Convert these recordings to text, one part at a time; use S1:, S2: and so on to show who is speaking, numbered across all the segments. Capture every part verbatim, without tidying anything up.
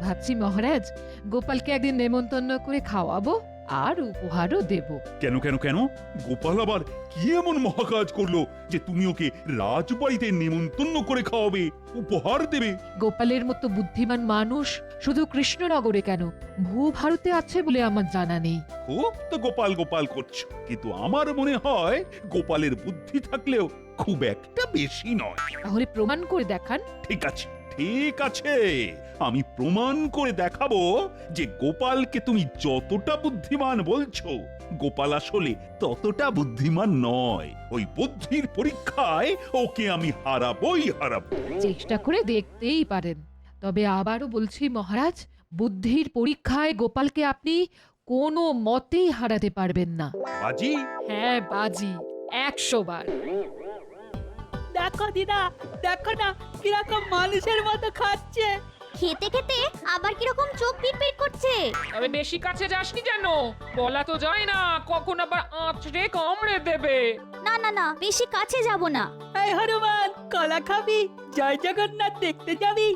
S1: ভাবছি মহারাজ গোপালকে একদিন নেমন্তন্ন করে খাওয়াবো আর উপহারও দেব।
S2: কেন কেন কেন গোপাল আবার কি এমন মহাকাজ করলো যে তুমি ওকে রাজবাড়িতে নেমন্তন্ন করে খাওয়াবে, উপহার দেবে?
S1: গোপালের মতো বুদ্ধিমান মানুষ শুধু কৃষ্ণনগরে কেন, ভূভারতে আছে বলে আমার জানা নেই।
S2: খুব তো গোপাল গোপাল করছো, কিন্তু আমার মনে হয় গোপালের বুদ্ধি থাকলেও খুব একটা বেশি নয়।
S1: তাহলে প্রমাণ করে দেখান।
S2: ঠিক আছে ঠিক আছে, আমি প্রমাণ করে দেখাবো যে গোপালকে তুমি যতটা বুদ্ধিমান বলছো, গোপাল আসলে ততটা বুদ্ধিমান নয়। ওই বুদ্ধির পরীক্ষায় ওকে আমি হারাবোই হারাবো।
S1: চেষ্টা করে দেখতেই পারেন, তবে আবারও বলছি মহারাজ, বুদ্ধির পরীক্ষায় গোপালকে আপনি কোনো মতেই হারাতে পারবেন না।
S2: বাজি?
S1: হ্যাঁ বাজি, একশো বার।
S3: দেখো দিদা, দেখো না কিরকম মানুষের মতো খাচ্ছে।
S4: খেতে খেতে আবার কিরকম চোখ পিটপিট করছে।
S5: তবে বেশি কাছে যাসনি যেন, বলা তো যায় না কখন আবার আঁচড়ে কামড়ে দেবে।
S4: না না না, বেশি কাছে যাব না।
S3: এই হনুমান, কলা খাবি? জয় জগন্নাথ দেখতে যাবি?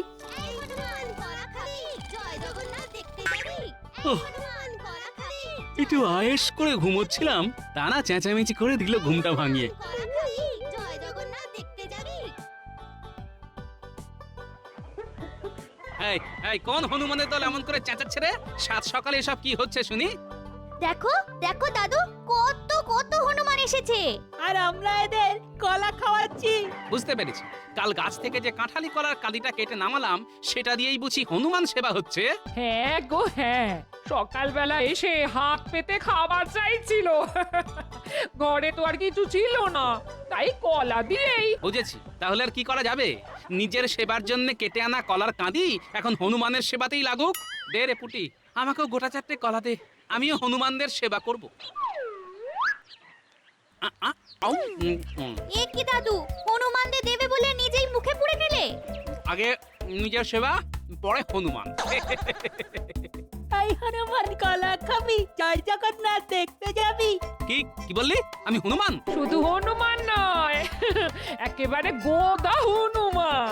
S6: একটু আয়েস করে ঘুমোচ্ছিলাম, তারা চেঁচামেচি করে দিল ঘুমটা ভাঙিয়ে। এই এই কোন হনুমানের দল এমন করে চেঁচাচ্ছে রে? সাত সকালে এসব কি হচ্ছে শুনি?
S4: দেখো দেখো দাদু, কত কত হনুমান এসেছে।
S3: আর আমরা এদের কলা খাওয়াচ্ছি।
S6: বুঝতে পেরেছি, কাল গাছ থেকে যে কাঁঠালি কলার কালিটা কেটে নামালাম সেটা দিয়েই বুঝি হনুমান সেবা হচ্ছে।
S5: হ্যাঁ গো হ্যাঁ, সকালবেলা এসে হাত পেতে খাবার চাইছিল, ঘরে তো আর কিছু ছিল না, তাই কলা দিয়েই।
S6: বুঝেছি, তাহলে আর কি করা যাবে? নিজের সেবার জন্য কেটে আনা কলার কাঁদি এখন হনুমানের সেবাতেই লাগুক। দে রে পুটি, আমাকেও গোটা চারটে কলা দে, আমিও হনুমানদের সেবা করব। আ, আ, আউ, উম, উম।
S4: এ কি দাদু, হনুমানদের দেবে বলে নিজেই মুখে পুড়ে নিলে?
S6: আগে নিজের সেবা, পরে হনুমান।
S3: এই হনুমান, কলা খাবি? জয় জগন্নাথ দেখতে যাবি?
S6: কি কি বললি? আমি হনুমান?
S5: শুধু হনুমান নয়, একেবারে গোদা হনুমান।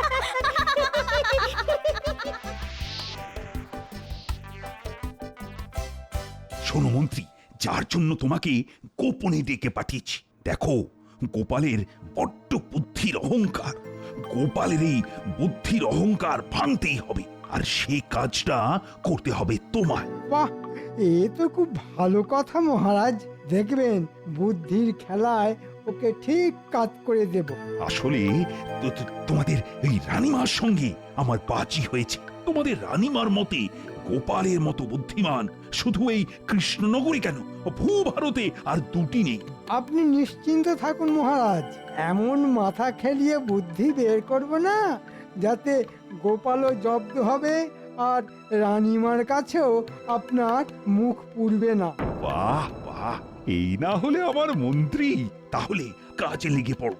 S2: শোনো মন্ত্রী, যার জন্য তোমাকে গোপনে ডেকে পাঠিয়েছি, দেখো গোপালের বড্ড বুদ্ধির অহংকার। গোপালের এই বুদ্ধির অহংকার ভাঙতেই হবে, আর সে কাজটা করতে হবে তোমায়।
S7: বাহ, এ তো খুব ভালো কথা মহারাজ। দেখবেন বুদ্ধির খেলায় ওকে ঠিক কাজ করে দেব।
S2: আসলে তো- তো- তোমাদের এই রানীমার সঙ্গে আমার বাজি হয়েছে। তোমাদের রানীমার মতে গোপালের মতো বুদ্ধিমান শুধু এই কৃষ্ণনগরী কেন, ভূভারতে আর দুটি নেই।
S7: আপনি নিশ্চিন্ত থাকুন মহারাজ, এমন মাথা খেলিয়ে বুদ্ধি বের করব না যাতে গোপালও জব্দ হবে আর রানীমার কাছেও আপনার মুখ পুড়বে না।
S2: বাহ বাহ, এই না হলে আমার মন্ত্রী, তাহলে কাজে লেগে পড়ো।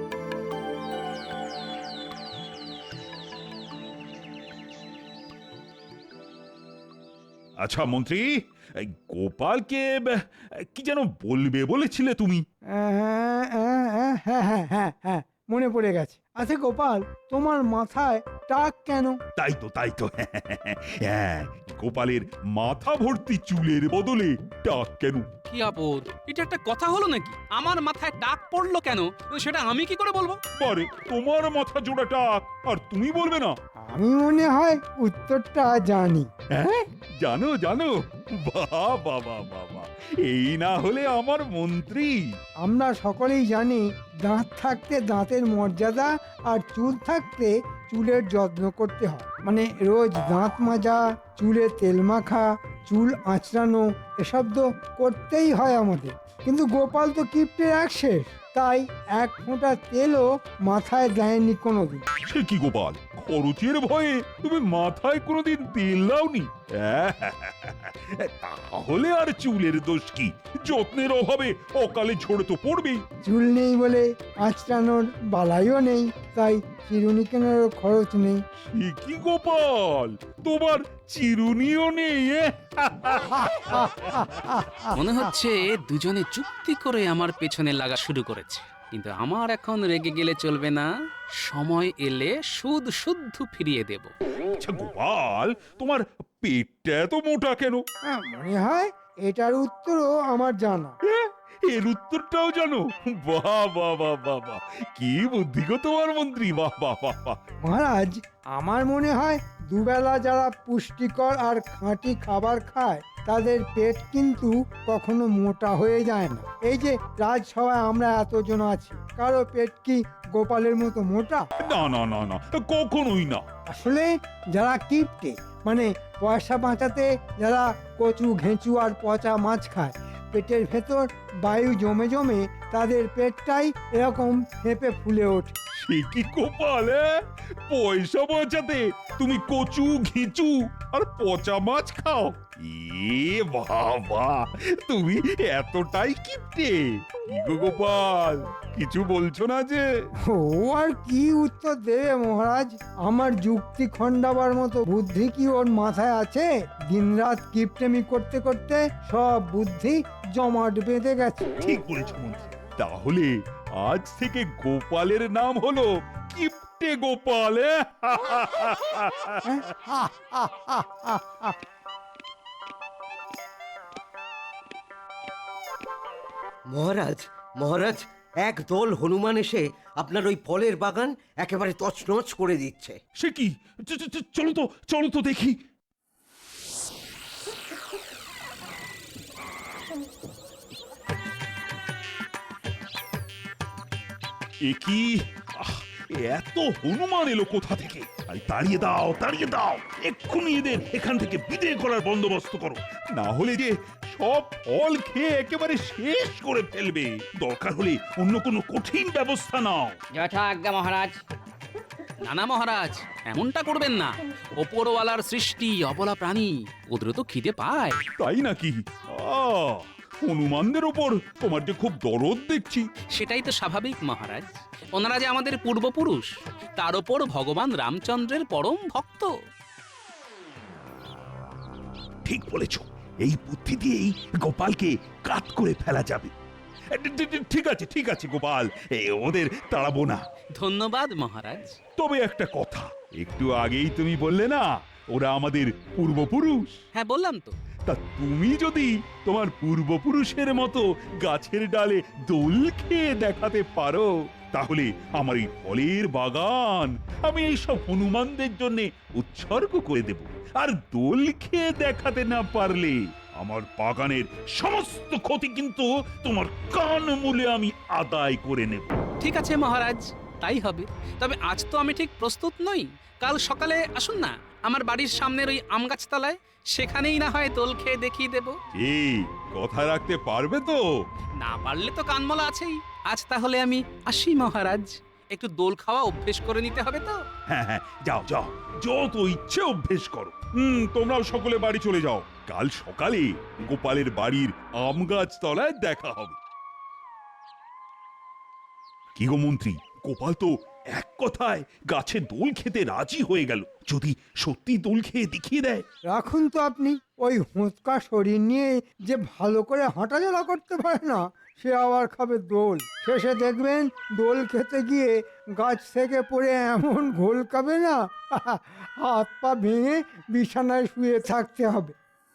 S2: আচ্ছা মন্ত্রী, এই গোপালকে ব- কি যেন বলবে বলেছিলে তুমি?
S7: হ্যাঁ হ্যাঁ হ্যাঁ হ্যাঁ হ্যাঁ, মনে পড়ে গেছে। আচ্ছা গোপাল, তোমার মাথায় টাক কেন?
S2: তাই তো তাই তো হ্যাঁ, গোপালের মাথা ভর্তি চুলের বদলে টাক কেন?
S6: কি আপদ, এটা একটা কথা হলো নাকি? আমার মাথায় টাক পড়লো কেন সেটা আমি কি করে বলবো?
S2: আরে তোমার মাথা জোড়া টাক, আর তুমি বলবে না?
S7: আমি মনে হয় উত্তরটা জানি।
S2: হ্যাঁ জানো জানো, বাহ বাবা বাবা, এই না হলে আমার মন্ত্রী।
S7: আমরা সকলেই জানি দাঁত থাকতে দাঁতের মর্যাদা আর চুল থাকতে চুলের যত্ন করতে হয়। মানে রোজ দাঁত মাজা, চুলে তেল মাখা, চুল আঁচড়ানো, এসব তো করতেই হয় আমাদের। কিন্তু গোপাল তো কিপ্টের এক শেষ, তাই এক ফোঁটা তেলও মাথায় দেয়নি কোনোদিন।
S2: সে কি গোপাল, খরচের ভয়ে তুমি মাথায় কোনোদিন তেল দাওনি? তাহলে আর চুলের দোষ কি? যত্নের অভাবে অকালে ঝরে তো পড়বেই।
S7: চুল নেই বলে আঁচড়ানোর বালাইও নেই, তাই চিরুনি কেনারও খরচ নেই।
S2: সে কি গোপাল, তোমার চিরুনিও নেই?
S6: মনে হচ্ছে দুজনে চুক্তি করে আমার পেছনে লাগা শুরু করেছে। কিন্তু আমার এখন রেগে গেলে চলবে না, সময় এলে সুদ শুদ্ধ ফিরিয়ে দেব।
S2: আচ্ছা গোপাল, তোমার পেটটা এত মোটা কেন?
S7: হ্যাঁ, মনে হয় এটার উত্তরও আমার জানা।
S2: এর উত্তরটাও জানো? বাহ বাহ বাহ বাহ বাহ, কি বুদ্ধি গো তোমার মন্ত্রী, বাহ বাহ বাহ বাহ।
S7: মহারাজ, আমার মনে হয় দুবেলা যারা পুষ্টিকর আর খাঁটি খাবার খায় তাদের পেট কিন্তু কখনো মোটা হয়ে যায় না। এই যে রাজসভায় আমরা এতজন আছি, কারো পেট কি গোপালের মতো মোটা?
S2: না না না না, কখনোই না।
S7: আসলে যারা কিপটে, মানে পয়সা বাঁচাতে যারা কচু ঘেঁচু আর পচা মাছ খায়, পেটের ভেতর বায়ু জমে জমে তাদের পেটটাই এরকম ফেঁপে ফুলে ওঠে।
S2: সে কি গোপাল, এ? পয়সা বাঁচাতে তুমি কচু ঘিচু আর পচা মাছ খাও? এ বাবা, তুমি এতটাই কিপটে? কি গো গোপাল, কিছু বলছো না যে?
S7: ও আর কি উত্তর দেবে মহারাজ? আমার যুক্তি খণ্ডাবার মতো বুদ্ধি কি ওর মাথায় আছে? দিনরাত কিপটেমি করতে করতে সব বুদ্ধি জমাট বেঁধে গেছে।
S2: ঠিক বলেছ মন্ত্রী, তাহলে আজ থেকে গোপালের নাম হলো কিপটে গোপাল। এ?
S7: হ্যাঁ? হা, হা, হা, হা, হা।
S8: মহারাজ, মহারাজ, এক দল হনুমান এসে আপনার ওই ফলের বাগান একেবারে তছনছ করে দিচ্ছে।
S2: সে কি? চ- চ- চ- চলো তো, চলো তো দেখি। এ কি? আহ, এত হনুমান এলো কোথা থেকে? আরে তাড়িয়ে দাও, তাড়িয়ে দাও, এক্ষুনি এদের এখান থেকে বিদায় করার বন্দোবস্ত করো, না হলে যে সব ফল খেয়ে একেবারে শেষ করে ফেলবে। দরকার হলে অন্য কোনো কঠিন ব্যবস্থা নাও।
S3: যথা আজ্ঞা মহারাজ।
S6: না না মহারাজ, এমনটা করবেন না। ওপরওয়ালার সৃষ্টি অবলা প্রাণী, ওদেরও তো খিদে পায়।
S2: তাই নাকি? আহ, হনুমানদের ওপর তোমার যে খুব দরদ দেখছি।
S6: সেটাই তো স্বাভাবিক মহারাজ, ওনারা যে আমাদের পূর্বপুরুষ, তার ওপর ভগবান রামচন্দ্রের পরম ভক্ত।
S2: ঠিক বলেছ, এই বুদ্ধি দিয়েই গোপালকে কাট করে ফেলা যাবে। এ, ঠি- ঠি- ঠিক আছে, ঠিক আছে গোপাল, এ, ওদের তাড়াবো না।
S6: ধন্যবাদ মহারাজ।
S2: তবে একটা কথা, একটু আগেই তুমি বললে না ওরা আমাদের পূর্বপুরুষ?
S6: হ্যাঁ বললাম তো।
S2: তা তুমি যদি তোমার পূর্বপুরুষের মতো গাছের ডালে দোল খেয়ে দেখাতে পারো, তাহলে আমার এই ফলের বাগান আমি এই সব হনুমানদের জন্য উৎসর্গ করে দেব। আর দোল খেয়ে দেখাতে না পারলে আমার বাগানের সমস্ত ক্ষতি কিন্তু তোমার কান মূলে আমি আদায় করে নেব।
S6: ঠিক আছে মহারাজ, তাই হবে। তবে আজ তো আমি ঠিক প্রস্তুত নই। কাল সকালে আসুন না আমার বাড়ির সামনের ওই আম গাছতলায়, সেখানেই না হয় দোল খেয়ে দেখিয়ে দেব।
S2: এই কথা রাখতে পারবে তো?
S6: না পারলে তো কানমলা আছেই। আজ তাহলে আমি আসি মহারাজ, একটু দোল খাওয়া অভ্যেস করে নিতে হবে তো।
S2: হ্যাঁ হ্যাঁ, যাও যাও, যত ইচ্ছে অভ্যেস করো। হুম, তোমরাও সকলে বাড়ি চলে যাও। কাল সকালে গোপালের বাড়ির আম গাছ তলায় দেখা হবে। কি গো মন্ত্রী, গোপাল তো এক কথায় গাছে দোল খেতে রাজি হয়ে গেল। যদি সত্যি দোল খেয়ে দেখিয়ে দেয়?
S7: রাখুন তো আপনি, ওই হোঁচকা শরীর নিয়ে যে ভালো করে হাঁটাচলা করতে পারে না, সে আবার খাবে দোল। শেষে দেখবেন দোল খেতে গিয়ে গাছ থেকে পড়ে এমন ঘোল খাবে না, হাত পা ভেঙে বিছানায় শুয়ে থাকতে হবে।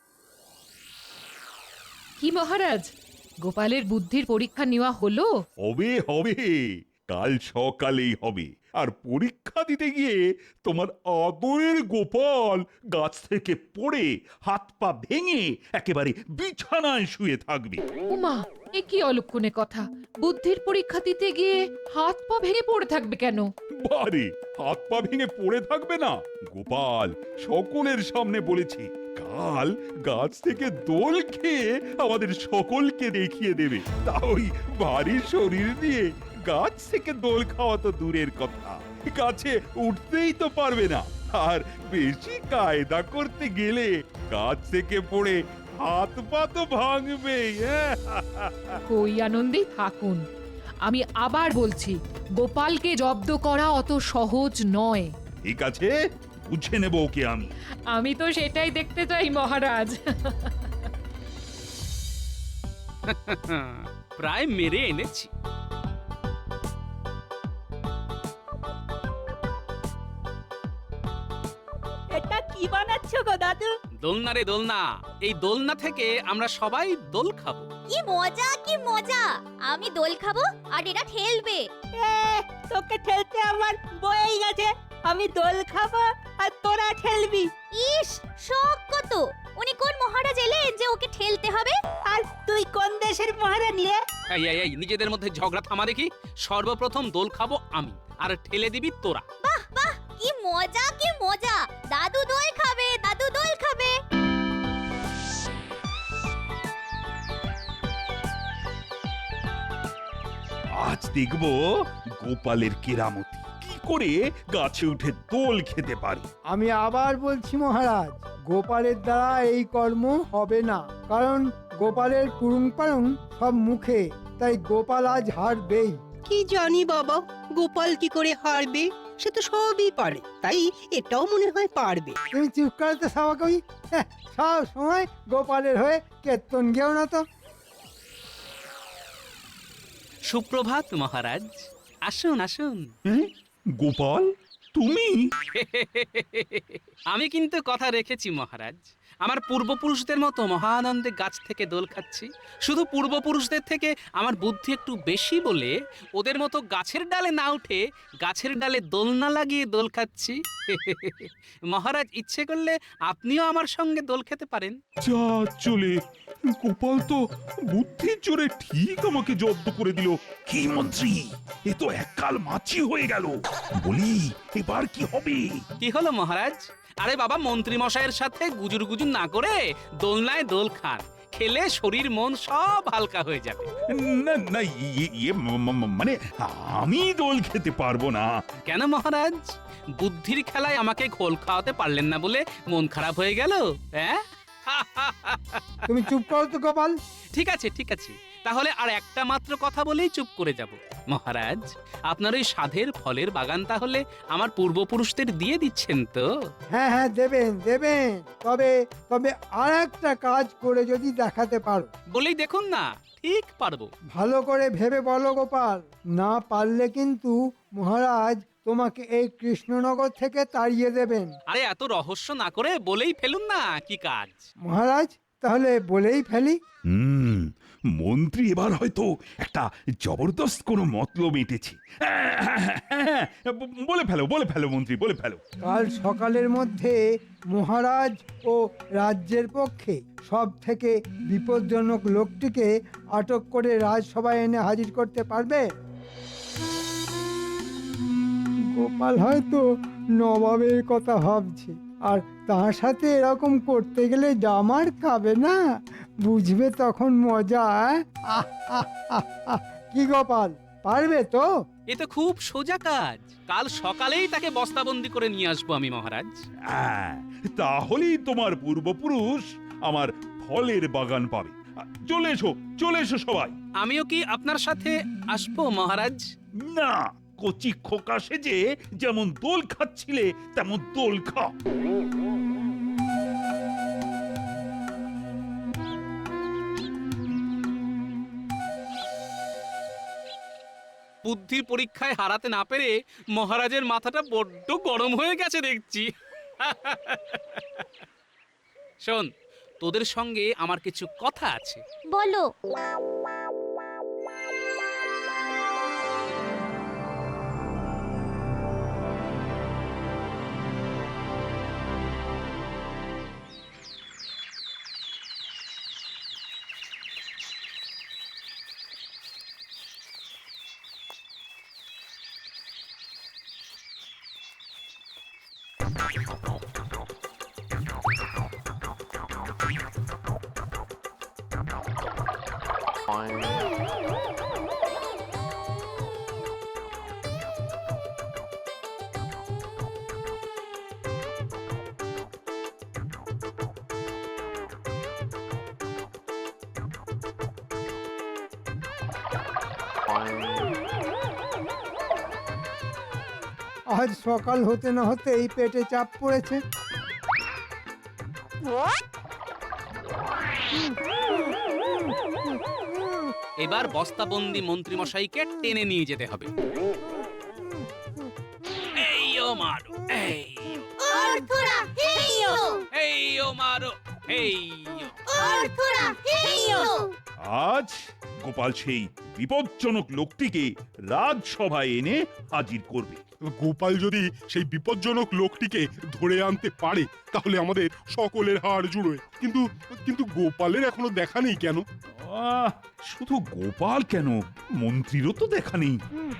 S1: কি মহারাজ, গোপালের বুদ্ধির পরীক্ষা নেওয়া হলো?
S2: হবে হবে, কাল সকালেই হবে। আর পরীক্ষা দিতে গিয়ে তোমার আদরের গোপাল গাছ থেকে পড়ে হাত পা ভেঙে একেবারে বিছানায় শুয়ে থাকবে।
S1: উমা, এ কি অলক্ষণে কথা! বুদ্ধির পরীক্ষা দিতে গিয়ে হাত পা ভেঙে পড়ে থাকবে কেন?
S2: বারে, হাত পা ভেঙে পড়ে থাকবে না? গোপাল সকলের সামনে বলেছে কাল গাছ থেকে দোল খেয়ে আমাদের সকলকে দেখিয়ে দেবে। তা ওই ভারী শরীর দিয়ে গাছ থেকে দোল খাওয়া তো দূরের কথা, গাছে উঠতেই তো পারবে না। আর বেশি কায়দা করতে গেলে গাছ থেকে পড়ে হাত পা তো ভাঙবে।
S1: কই আনন্দেই থাকুন। আমি আবার বলছি, গোপালকে জব্দ করা অত সহজ নয়।
S2: ঠিক আছে, বুঝে নেব ওকে আমি।
S1: আমি তো সেটাই দেখতে চাই মহারাজ।
S6: প্রায় মেরে এনেছি।
S3: এসো গো দাদু।
S6: দোলনা রে দোলনা, এই দোলনা থেকে আমরা সবাই দোল খাবো।
S4: কি মজা কি মজা, আমি দোল খাবো আর এরা ঠেলবে।
S3: এ, তোকে ঠেলতে আমার বয়েই গেছে। আমি দোল খাবো আর তোরা ঠেলবি।
S4: ইস, শখ কত! উনি কোন মহারাজ এলেন যে ওকে ঠেলতে হবে?
S3: আর তুই কোন দেশের মহারানী রে?
S6: এই এই এই নিজেদের মধ্যে ঝগড়া থামা দেখি। সর্বপ্রথম দোল খাবো আমি, আর ঠেলে দিবি তোরা।
S4: বাহ বাহ, কি মজা কি মজা! দাদু দোল খাবে, দাদু দোল খাবে।
S2: আজ দেখব গোপালের কেরামতি, কি করে গাছে উঠে দোল খেতে পারে।
S7: আমি আবার বলছি মহারাজ, গোপালের দ্বারা এই কর্ম হবে না, কারণ গোপালের পুরুং পারুং সব মুখে, তাই গোপাল আজ হারবেই।
S9: কি জানি বাবা, গোপাল কি করে হারবে? সে তো সবই পারে, তাই এটাও মনে হয় পারবে।
S7: তুমি চুপ করতে সাবা কই, হ্যাঁ, সব সময় গোপালের হয়ে কেতন গেও না তো।
S6: সুপ্রভাত মহারাজ, আসুন আসুন।
S2: হ্যাঁ? গোপাল, তুমি?
S6: আমি কিন্তু কথা রেখেছি মহারাজ। আমার পূর্বপুরুষদের মতো মহানন্দে গাছ থেকে দোল খাচ্ছি। শুধু পূর্বপুরুষদের থেকে আমার বুদ্ধি একটু বেশি বলে ওদের মতো গাছের ডালে না উঠে গাছের ডালে দোলনা লাগিয়ে দোল খাচ্ছি। মহারাজ ইচ্ছে করলে আপনিও আমার সঙ্গে দোল খেতে পারেন।
S2: যা চলে, গোপাল তো বুদ্ধির জোরে ঠিক আমাকে জব্দ করে দিল। কি মন্ত্রী, এ তো এককাল মাছি হয়ে গেল। বলি, এবার কি হবে?
S6: কি হলো মহারাজ? আরে বাবা, মন্ত্রী মশাইয়ের সাথে গুজুর গুজুর না করে দোলনায় দোল খান, খেলে শরীর মন সব হালকা হয়ে যাবে।
S2: না না, ইয়ে- ইয়ে ম- ম- মানে আমি দোল খেতে পারবো না।
S6: কেন মহারাজ? বুদ্ধির খেলায় আমাকে ঘোল খাওয়াতে পারলেন না বলে মন খারাপ হয়ে গেল? হ্যাঁ,
S7: তুমি চুপ করো তো গোপাল।
S6: ঠিক আছে ঠিক আছে, তাহলে আর একটা মাত্র কথা বলেই চুপ করে যাব। মহারাজ, আপনার ওই সাধের ফলের বাগান তাহলে আমার পূর্বপুরুষদের দিয়ে দিচ্ছেন তো?
S7: হ্যাঁ হ্যাঁ, দেবেন দেবেন, তবে তবে আর একটা কাজ করে যদি দেখাতে পারো।
S6: বলেই দেখুন না, ঠিক পারবো।
S7: ভালো করে ভেবে বলো গোপাল, না পারলে কিন্তু মহারাজ তোমাকে এই কৃষ্ণনগর থেকে তাড়িয়ে দেবেন।
S6: আরে এত রহস্য না করে বলেই ফেলুন না কি কাজ।
S7: মহারাজ, তাহলে বলেই ফেলি।
S2: হুম, মন্ত্রী এবার হয়তো একটা জবরদস্ত কোনো মতলব এঁটেছে। বলে ফেলো বলে ফেলো মন্ত্রী, বলে ফেলো।
S7: কাল সকালের মধ্যে মহারাজ ও রাজ্যের পক্ষে সব থেকে বিপজ্জনক লোকটিকে আটক করে রাজসভায় এনে হাজির করতে পারবে? গোপাল হয়তো নবাবের কথা ভাবছে, আর তার সাথে এরকম করতে গেলে জামার খাবে না, বুঝবে তখন মজা। আহ, আহ, আহ, আহ। কি গোপাল, পারবে তো?
S6: এ তো খুব সোজা কাজ। কাল সকালেই তাকে বস্তাবন্দি করে নিয়ে আসবো আমি মহারাজ।
S2: হ্যাঁ, তাহলেই তোমার পূর্বপুরুষ আমার ফলের বাগান পাবে। চলে এসো চলে এসো সবাই।
S6: আমিও কি আপনার সাথে আসবো মহারাজ?
S2: না, কচি খোকা সেজে যেমন দোল খাচ্ছিলে তেমন দোল খাও।
S6: বুদ্ধির পরীক্ষায় হারাতে না পেরে মহারাজের মাথাটা বড্ড গরম হয়ে গেছে দেখছি। শোন, তোদের সঙ্গে আমার কিছু কথা আছে।
S4: বলো।
S7: আজ সকাল হতে না হতেই পেটে চাপ পড়েছে।
S6: এবার বস্তাবন্দি মন্ত্রী মশাইকে টেনে নিয়ে যেতে হবে। এই ও মারু, এই।
S4: অর্থরা হেইয়ো
S6: এই ও মারো এই ও।
S4: অর্থরা হেইয়ো
S2: আজ গোপাল সেই বিপজ্জনক লোকটিকে রাজসভায় এনে হাজির করবে।
S10: গোপাল যদি সেই বিপজ্জনক লোকটিকে ধরে আনতে পারে তাহলে আমাদের সকলের হাড় জুড়োয়। কিন্তু কিন্তু গোপালের এখনো দেখা নেই কেন?
S2: আহ, শুধু গোপাল কেন, মন্ত্রীরও তো দেখা নেই।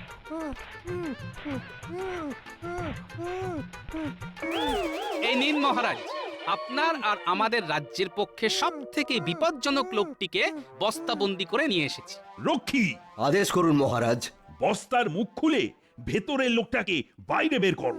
S6: এই নিন মহারাজ, আপনার আর আমাদের রাজ্যের পক্ষে সব থেকে বিপজ্জনক লোকটিকে বস্তাবন্দি করে নিয়ে এসেছি।
S2: রক্ষী,
S8: আদেশ করুন মহারাজ।
S2: বস্তার মুখ খুলে ভেতরের লোকটাকে বাইরে বের করো।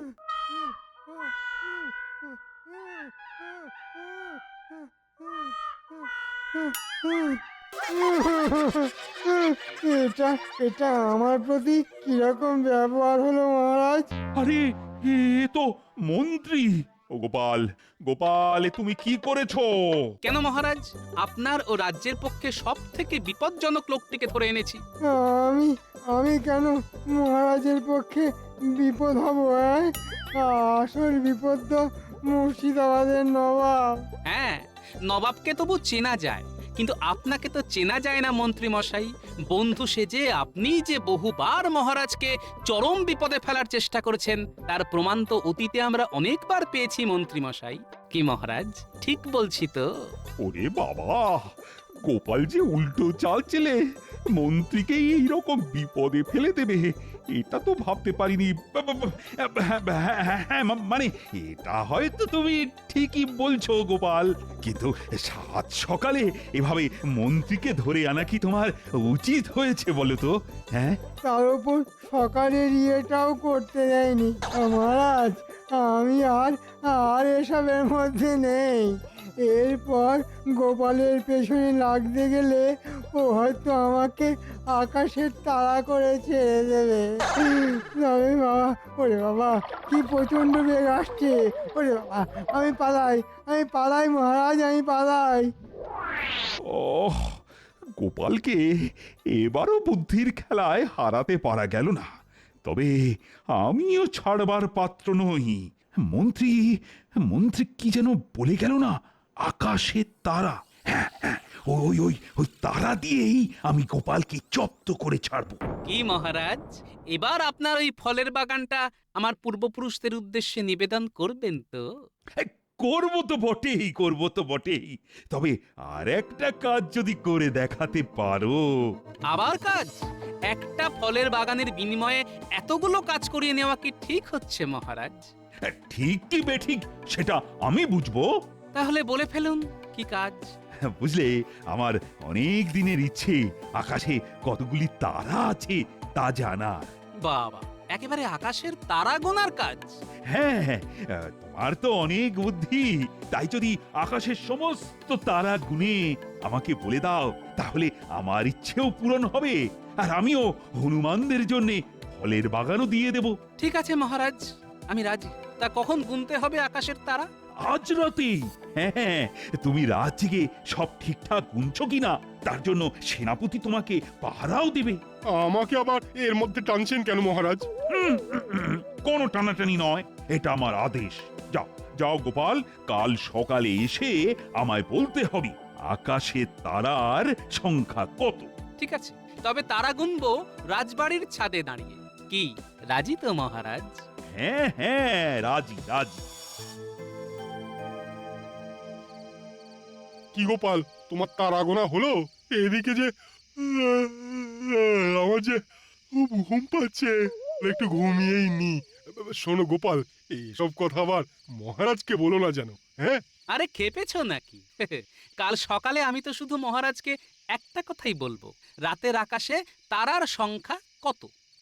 S7: এটা এটা আমার প্রতি কিরকম ব্যবহার হলো মহারাজ?
S2: আরে এ তো মন্ত্রী। ও গোপাল, গোপাল, এ তুমি কি করেছো?
S6: কেন মহারাজ, আপনার ও রাজ্যের পক্ষে সব থেকে বিপজ্জনক লোকটিকে ধরে এনেছি।
S7: আমি আমি কেন মহারাজের পক্ষে বিপদ হব? হ্যাঁ, আসল বিপদ তো মুর্শিদাবাদের নবাব।
S6: হ্যাঁ, নবাবকে তবু চেনা যায়, কিন্তু আপনাকে তো চেনা যায় না মন্ত্রী মশাই। বন্ধু সেজে আপনি যে বহুবার মহারাজকে চরম বিপদে ফেলার চেষ্টা করেছেন তার প্রমাণ তো অতীতে আমরা অনেকবার পেয়েছি মন্ত্রী মশাই। কি মহারাজ, ঠিক বলছি তো?
S2: ওরে বাবা, গোপাল যে উল্টো চাল চেলে মন্ত্রীকে এইরকম বিপদে ফেলে দেবে, এটা তো ভাবতে পারিনি। বা- বা- বা- হ্যাঁ, হ্যাঁ, মা- মানে এটা হয়তো তুমি ঠিকই বলছো গোপাল, কিন্তু সাত সকালে এভাবে মন্ত্রীকে ধরে আনা কি তোমার উচিত হয়েছে বলো তো? হ্যাঁ,
S7: তার উপর সকালের ইয়েটাও করতে দেয়নি। মহারাজ, আমি আর আর এসবের মধ্যে নেই। এরপর গোপালের পেছনে লাগতে গেলে ও হয়তো আমাকে আকাশের তারা করে ছেড়ে দেবে। তবে বাবা, ওরে বাবা, কি প্রচন্ড বেগ আসছে! ওরে বাবা, আমি পালাই, আমি পালাই মহারাজ, আমি পালাই।
S2: ওহ, গোপালকে এবারও বুদ্ধির খেলায় হারাতে পারা গেল না। তবে আমিও ছাড়বার পাত্র নই। মন্ত্রী মন্ত্রী কি যেন বলে গেল না, আকাশের তারা। হ্যাঁ, হ্যাঁ, ওই ওই ওই তারা দিয়েই আমি গোপালকে জব্দ করে ছাড়বো।
S6: কি মহারাজ, এবার আপনার ওই ফলের বাগানটা আমার পূর্বপুরুষদের উদ্দেশ্যে নিবেদন করবেন তো?
S2: হ্যাঁ, করবো তো বটেই, করবো তো বটেই। তবে আর একটা কাজ যদি করে দেখাতে পারো।
S6: আবার কাজ? একটা ফলের বাগানের বিনিময়ে এতগুলো কাজ করিয়ে নেওয়া কি ঠিক হচ্ছে মহারাজ?
S2: হ্যাঁ, ঠিক কি বেঠিক সেটা আমি বুঝবো।
S6: তাহলে বলে ফেলুন কি কাজ।
S2: বুঝলে, আমার অনেক দিনের ইচ্ছে আকাশে কতগুলি তারা আছে তা জানা।
S6: বাবা, একেবারে আকাশের তারা গোনার কাজ?
S2: হ্যাঁ, হ্যাঁ, আহ, তোমার তো অনেক বুদ্ধি। তাই যদি আকাশের সমস্ত তারা গুনে আমাকে বলে দাও, তাহলে আমার ইচ্ছেও পূরণ হবে, আর আমিও হনুমানদের জন্য ফলের বাগানও দিয়ে দেব।
S6: ঠিক আছে মহারাজ, আমি রাজি। তা কখন গুনতে হবে আকাশের তারা?
S2: আজ রাতেই। হ্যাঁ, হ্যাঁ, তুমি রাত জেগে সব ঠিকঠাক গুনছো কিনা তার জন্য সেনাপতি তোমাকে পাহারাও দেবে।
S10: আমাকে আবার এর মধ্যে টানছেন কেন মহারাজ?
S2: হুম, হুম, হুম, কোনো টানাটানি নয়, এটা আমার আদেশ। যাও যাও গোপাল, কাল সকালে এসে আমায় বলতে হবে আকাশের তারার সংখ্যা কত।
S6: ঠিক আছে, তবে তারা গুনবো রাজবাড়ির ছাদে দাঁড়িয়ে। কি রাজি তো মহারাজ?
S2: হ্যাঁ, হ্যাঁ, রাজি রাজি।
S10: কি গোপাল, তোমার তারা গোনা হলো? এদিকে যে আমার যে খুব ঘুম পাচ্ছে, একটু ঘুমিয়েই নি। শোনো গোপাল, এইসব কথা আবার মহারাজকে বলো না যেন। হ্যাঁ,
S6: আরে খেপেছো নাকি? কাল সকালে আমি তো শুধু মহারাজকে একটা কথাই বলবো, রাতের আকাশে তারার সংখ্যা কত।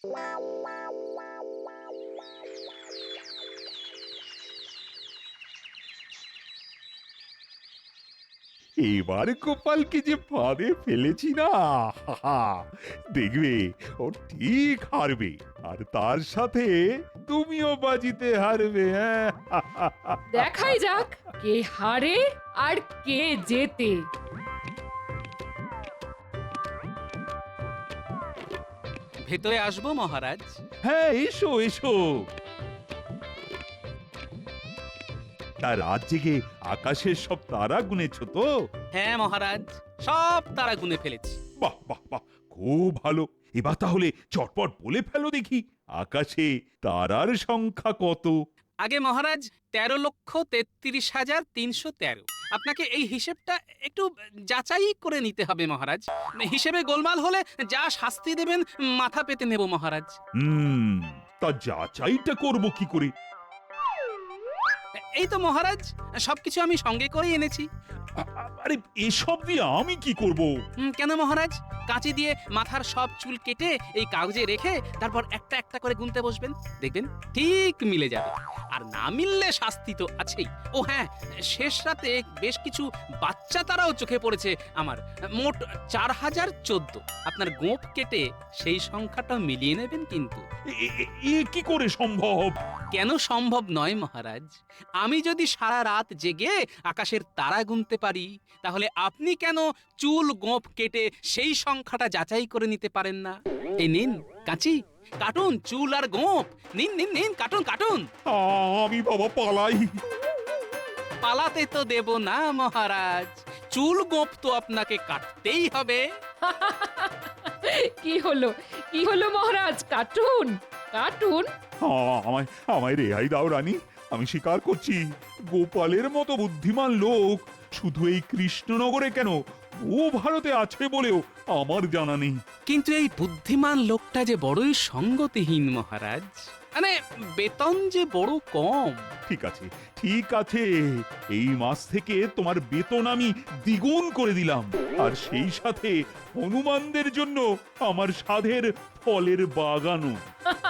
S2: এবার গোপালকে যে ফাঁদে ফেলেছি না, হাহা, দেখবে ও ঠিক হারবে, আর তার সাথে তুমিও বাজিতে হারবে। হ্যাঁ,
S1: দেখাই যাক কে হারে আর কে জেতে।
S6: ভেতরে আসবো মহারাজ?
S2: হ্যাঁ, এসো এসো।
S11: তা রাত জেগে আকাশের সব তারা গুনেছো তো?
S6: হ্যাঁ মহারাজ, সব তারা গুনে ফেলেছি।
S11: বাহ বাহ বাহ, খুব ভালো। এবার তাহলে চটপট বলে ফেলো দেখি, আকাশে তারার সংখ্যা কত?
S6: আগে মহারাজ, তেরো লক্ষ তেত্রিশ হাজার তিনশো তেরো। আপনাকে এই হিসেবটা একটু যাচাই করে নিতে হবে মহারাজ। হিসেবে গোলমাল হলে যা শাস্তি দেবেন মাথা পেতে নেব মহারাজ।
S11: হুম, তা যাচাইটা করব কি করে?
S6: এই তো মহারাজ, সবকিছু আমি সঙ্গে করেই এনেছি।
S11: আ- আ- আরে এসব দিয়ে আমি কি করব?
S6: হুম, কেন মহারাজ? কাঁচি দিয়ে মাথার সব চুল কেটে এই কাগজে রেখে তারপর একটা একটা করে গুনতে বসবেন, দেখবেন ঠিক মিলে যাবে। আর না মিললে শাস্তি তো আছেই। ও হ্যাঁ, শেষ রাতে বেশ কিছু বাচ্চা তারাও চোখে পড়েছে আমার। মোট চার হাজার চোদ্দ। আপনার গোঁফ কেটে সেই সংখ্যাটা মিলিয়ে নেবেন কিন্তু।
S11: এ- এ- এ কি করে সম্ভব?
S6: কেন সম্ভব নয় মহারাজ? আমি যদি সারা রাত জেগে আকাশের তারা গুনতে পারি, তাহলে আপনি কেন চুল গোঁফ কেটে সেই সংখ্যাটা যাচাই করে নিতে পারেন না? এই নিন কাঁচি, কাটুন চুল আর গোঁফ। নিন নিন নিন, কাটুন কাটুন।
S11: আ, আমি বাবা পালাই।
S6: পালাতে তো দেব না মহারাজ, চুল গোঁফ তো আপনাকে কাটতেই হবে।
S1: কি হলো কি হলো মহারাজ, কাটুন কাটুন।
S11: আ, আমায় আমায় রেহাই দাও রানী, আমি স্বীকার করছি গোপালের মতো বুদ্ধিমান লোক শুধু এই কৃষ্ণনগরে কেন, ও ভারতে আছে বলেও আমার জানা নেই।
S6: কিন্তু এই বুদ্ধিমান লোকটা যে বড়ই সঙ্গতিহীন মহারাজ। মানে বেতন যে বড় কম।
S11: ঠিক আছে ঠিক আছে, এই মাস থেকে তোমার বেতন আমি দ্বিগুণ করে দিলাম, আর সেই সাথে হনুমানদের জন্য আমার সাধের ফলের বাগানও।